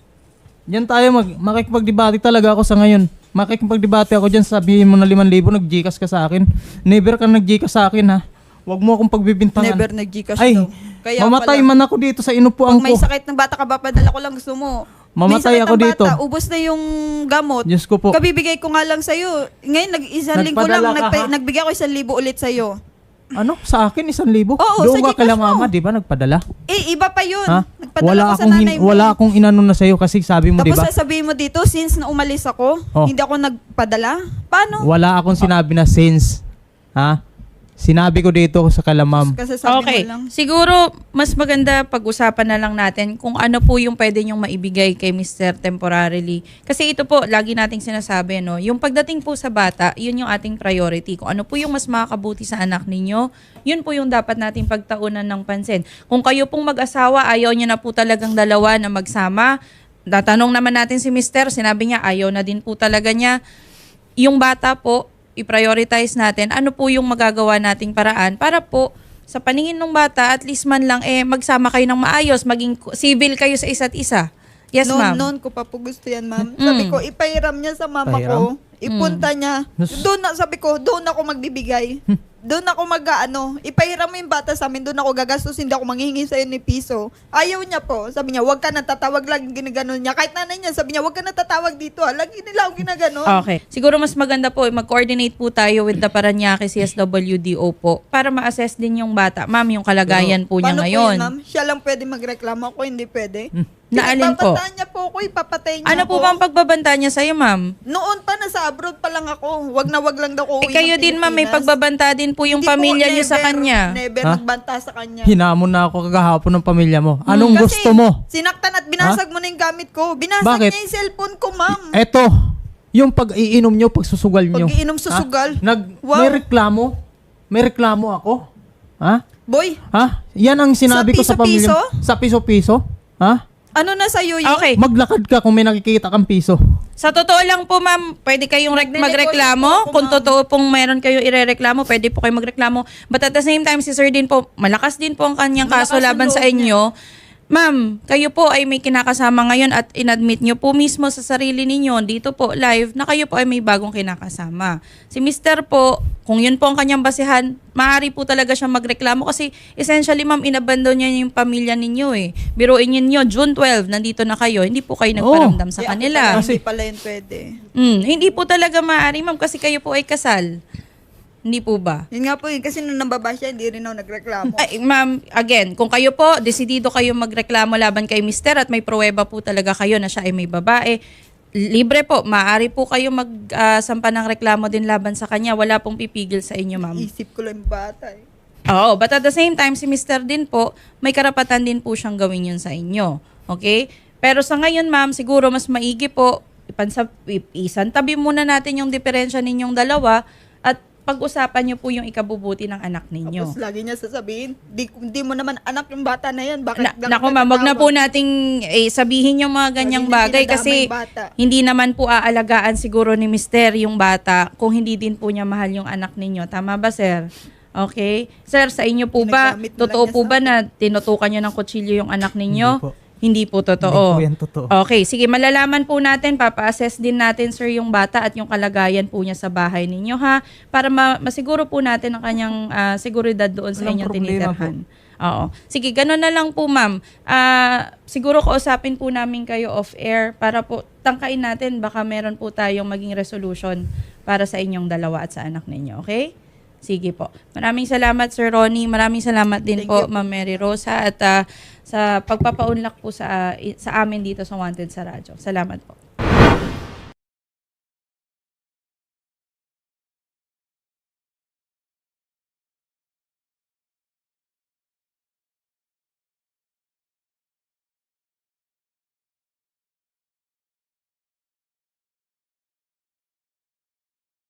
[SPEAKER 4] Diyan tayo mag makikipagdebate talaga ako sa ngayon. Makikipagdebate ako diyan, sabihin mo na liman libo nag-Gcash ka sa akin. Never ka nag-Gcash sa akin ha. Huwag mo akong pagbibintangan.
[SPEAKER 3] Never nag-Gcash
[SPEAKER 4] Ay,
[SPEAKER 3] daw. Kaya
[SPEAKER 4] mamatay
[SPEAKER 3] pala,
[SPEAKER 4] man ako dito sa inupuan
[SPEAKER 3] pag may
[SPEAKER 4] ko.
[SPEAKER 3] sakit ng bata ka ba, padala ko lang gusto mo. May
[SPEAKER 4] Mamatay
[SPEAKER 3] sakit
[SPEAKER 4] ako
[SPEAKER 3] ang
[SPEAKER 4] dito.
[SPEAKER 3] Bata, ubos na yung gamot.
[SPEAKER 4] Diyos ko po.
[SPEAKER 3] Kabibigay ko nga lang sa'yo. Ngayon, nag isang linggo lang,
[SPEAKER 4] Nagpadala ka,
[SPEAKER 3] nagpa-
[SPEAKER 4] ha?
[SPEAKER 3] nagbigay ako isang libo ulit sa'yo.
[SPEAKER 4] Ano? Sa akin isang libo?
[SPEAKER 3] Oo,
[SPEAKER 4] Doon
[SPEAKER 3] sa
[SPEAKER 4] ka kala
[SPEAKER 3] Gcash mo.
[SPEAKER 4] mama, di ba? Nagpadala?
[SPEAKER 3] Eh, iba pa yun.
[SPEAKER 4] Ha?
[SPEAKER 3] Nagpadala
[SPEAKER 4] Wala
[SPEAKER 3] ko sa
[SPEAKER 4] akong,
[SPEAKER 3] nanay
[SPEAKER 4] hin-
[SPEAKER 3] mo.
[SPEAKER 4] wala akong inano na sa'yo kasi sabi mo, di
[SPEAKER 3] Tapos
[SPEAKER 4] ba?
[SPEAKER 3] sasabihin mo dito, since na umalis ako,
[SPEAKER 4] Oh.
[SPEAKER 3] hindi ako nagpadala. Paano?
[SPEAKER 4] Wala akong sinabi na since. Ha? Sinabi ko dito sa kalamam.
[SPEAKER 3] Kasi sabi
[SPEAKER 1] Okay.
[SPEAKER 3] mo lang.
[SPEAKER 1] Siguro, mas maganda pag-usapan na lang natin kung ano po yung pwede nyong maibigay kay mister temporarily. Kasi ito po, lagi nating sinasabi, no? Yung pagdating po sa bata, yun yung ating priority. Kung ano po yung mas makakabuti sa anak ninyo, yun po yung dapat nating pagtaunan ng pansin. Kung kayo pong mag-asawa, ayaw nyo na po talagang dalawa na magsama, tatanong naman natin si mister, sinabi niya, ayaw na din po talaga niya. Yung bata po, i-prioritize natin ano po yung magagawa nating paraan para po sa paningin ng bata at least man lang eh magsama kayo ng maayos, maging civil kayo sa isa't isa. Yes,
[SPEAKER 3] noon,
[SPEAKER 1] ma'am.
[SPEAKER 3] noon ko pa po gusto yan, ma'am.
[SPEAKER 1] Mm.
[SPEAKER 3] Sabi ko, ipahiram niya sa mama ko.
[SPEAKER 4] Pahiram?
[SPEAKER 3] Ipunta niya.
[SPEAKER 4] Nus-
[SPEAKER 3] Doon na, sabi ko, doon ako magbibigay. Doon ako mag-ano, ipahiram mo yung bata sa amin, doon ako gagastos, hindi ako manghihingi sa'yo ni piso. Ayaw niya po. Sabi niya, wag ka natatawag, lagi ginaganon niya. Kahit nanay niya, sabi niya, wag ka natatawag dito, ha. Lagi nila ako ginaganon.
[SPEAKER 1] Okay. Siguro mas maganda po, eh, mag-coordinate po tayo with the Parañaque C S W D O po para ma-assess din yung bata. Ma'am, yung kalagayan po niya
[SPEAKER 3] Paano
[SPEAKER 1] ngayon.
[SPEAKER 3] po yun, ma'am? Siya lang pwede magreklamo, ako hindi pwede.
[SPEAKER 1] Na alin po?
[SPEAKER 3] Pinagbabanta niya po ako, ipapatay niya
[SPEAKER 1] Ano po
[SPEAKER 3] ako.
[SPEAKER 1] bang pagbabanta niya sa'yo, ma'am?
[SPEAKER 3] Noon pa, nasa abroad pa lang ako. Wag na wag lang daw ko
[SPEAKER 1] Eh kayo din, ma'am, may pagbabanta din po yung
[SPEAKER 3] Hindi po,
[SPEAKER 1] pamilya niyo sa
[SPEAKER 3] never,
[SPEAKER 1] kanya.
[SPEAKER 3] Never
[SPEAKER 4] Ha?
[SPEAKER 3] nagbanta sa kanya.
[SPEAKER 4] Hinamon na ako kagahapon ng pamilya mo. Anong
[SPEAKER 3] Kasi
[SPEAKER 4] gusto mo?
[SPEAKER 3] sinaktan at binasag mo na yung gamit ko. Binasag
[SPEAKER 4] Bakit?
[SPEAKER 3] niya yung cellphone ko, ma'am.
[SPEAKER 4] Eto, yung pag-iinom nyo, pagsusugal nyo.
[SPEAKER 3] Pag-iinom susugal?
[SPEAKER 4] Ha? Nag,
[SPEAKER 3] Wow.
[SPEAKER 4] May reklamo? May reklamo ako? Ha?
[SPEAKER 3] Boy,
[SPEAKER 4] Ha? Yan ang sinabi
[SPEAKER 3] Sa
[SPEAKER 4] ko sa pamilya.
[SPEAKER 3] piso-piso?
[SPEAKER 4] Sa piso-piso? Ha?
[SPEAKER 3] ano na sa'yo yun?
[SPEAKER 1] Okay.
[SPEAKER 4] Maglakad ka kung may nakikita kang piso.
[SPEAKER 1] Sa totoo lang po, ma'am, pwede kayong rek-
[SPEAKER 3] Nagnenegosyate
[SPEAKER 1] magreklamo.
[SPEAKER 3] po ako,
[SPEAKER 1] Kung
[SPEAKER 3] ma'am.
[SPEAKER 1] totoo pong mayroon kayo irereklamo, pwede po kayo magreklamo. But at the same time, si sir din po, malakas din po ang kanyang
[SPEAKER 3] Malakas
[SPEAKER 1] kaso
[SPEAKER 3] ang
[SPEAKER 1] laban sa
[SPEAKER 3] loob
[SPEAKER 1] inyo. Ma'am, kayo po ay may kinakasama ngayon at inadmit nyo po mismo sa sarili ninyo dito po live na kayo po ay may bagong kinakasama. Si mister po, kung yun po ang kanyang basihan, maaari po talaga siyang magreklamo kasi essentially, ma'am, inabandon niya yung pamilya ninyo eh. Biruin ninyo, June twelfth, nandito na kayo, hindi po kayo nagparamdam sa
[SPEAKER 3] Eh, ako
[SPEAKER 1] kanila.
[SPEAKER 3] pala,
[SPEAKER 4] Kasi-
[SPEAKER 3] hindi pala yun pwede.
[SPEAKER 1] Mm, hindi po talaga maaari, ma'am, kasi kayo po ay kasal. Hindi po ba?
[SPEAKER 3] Yun nga po yun, kasi nung nambaba siya, hindi rin ako nagreklamo.
[SPEAKER 1] Ay, ma'am, again, kung kayo po, desidido kayo magreklamo laban kay mister at may pruweba po talaga kayo na siya ay may babae, libre po, maaari po kayo magsampa ng reklamo din laban sa kanya. Wala pong pipigil sa inyo, ma'am.
[SPEAKER 3] Isip ko lang yung bata eh.
[SPEAKER 1] Oo, but at the same time, si mister din po, may karapatan din po siyang gawin yun sa inyo. Okay? Pero sa ngayon, ma'am, siguro mas maigi po, ipansab, isantabi muna natin yung diferensya ninyong dalawa at pag-usapan niyo po yung ikabubuti ng anak ninyo.
[SPEAKER 3] Tapos lagi niya sasabihin, di, di mo naman anak yung bata na yan. Bakit
[SPEAKER 1] Na,
[SPEAKER 3] lang
[SPEAKER 1] naku
[SPEAKER 3] ka
[SPEAKER 1] ma'am, wag na
[SPEAKER 3] tatawag?
[SPEAKER 1] po nating eh, sabihin yung mga ganyang
[SPEAKER 3] Lagi na
[SPEAKER 1] bagay
[SPEAKER 3] dinadama
[SPEAKER 1] kasi
[SPEAKER 3] yung bata.
[SPEAKER 1] hindi naman po aalagaan siguro ni mister yung bata kung hindi din po niya mahal yung anak ninyo. Tama ba, sir? Okay? Sir, sa inyo po ba,
[SPEAKER 3] Ginagamit mo lang
[SPEAKER 1] totoo
[SPEAKER 3] niya
[SPEAKER 1] po
[SPEAKER 3] sa
[SPEAKER 1] ba na tinutukan niyo ng kutsilyo yung anak ninyo?
[SPEAKER 4] Hindi po.
[SPEAKER 1] Hindi po totoo.
[SPEAKER 4] Hindi po yan totoo.
[SPEAKER 1] Okay, sige, malalaman po natin, papa-assess din natin, sir, yung bata at yung kalagayan po niya sa bahay ninyo, ha? Para ma- masiguro po natin ang kanyang ah, seguridad doon sa
[SPEAKER 4] Walang
[SPEAKER 1] inyong
[SPEAKER 4] problema
[SPEAKER 1] tinitirhan. Oo. Sige, ganun na lang po, ma'am. Ah, siguro kausapin po namin kayo off-air para po tangkain natin, baka meron po tayong maging resolution para sa inyong dalawa at sa anak ninyo, okay? Sige po. Maraming salamat, Sir Ronnie. Maraming salamat din
[SPEAKER 3] Thank
[SPEAKER 1] po,
[SPEAKER 3] you.
[SPEAKER 1] Ma'am Mary Rosa, at ah, sa pagpapaunlak po sa, sa amin dito sa Wanted sa Radyo. Salamat po.